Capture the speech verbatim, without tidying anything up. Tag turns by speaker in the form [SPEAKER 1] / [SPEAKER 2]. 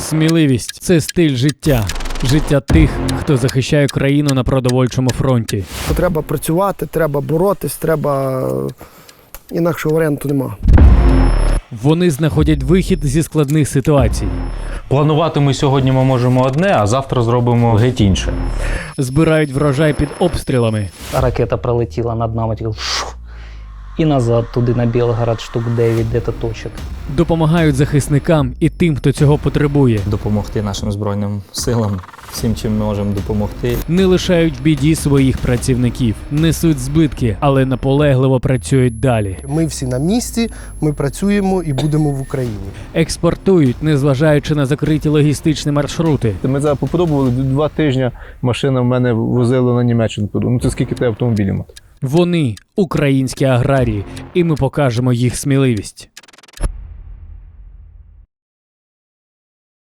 [SPEAKER 1] Сміливість – це стиль життя. Життя тих, хто захищає країну на продовольчому фронті.
[SPEAKER 2] Треба працювати, треба боротись, треба... Інакшого варіанту нема.
[SPEAKER 1] Вони знаходять вихід зі складних ситуацій.
[SPEAKER 3] Планувати ми сьогодні ми можемо одне, а завтра зробимо геть інше.
[SPEAKER 1] Збирають врожай під обстрілами.
[SPEAKER 4] Ракета пролетіла над нами, тільки шух, і назад туди на Білгород штук дев'ять де-то точок.
[SPEAKER 1] Допомагають захисникам і тим, хто цього потребує.
[SPEAKER 5] Допомогти нашим Збройним силам, всім, чим ми можемо допомогти.
[SPEAKER 1] Не лишають в біді своїх працівників. Несуть збитки, але наполегливо працюють далі.
[SPEAKER 2] Ми всі на місці, ми працюємо і будемо в Україні.
[SPEAKER 1] Експортують, незважаючи на закриті логістичні маршрути.
[SPEAKER 6] Ми зараз попробували два тижні, машина в мене возила на Німеччину. Ну це скільки треба автомобілів мати?
[SPEAKER 1] Вони – українські аграрії, і ми покажемо їх сміливість.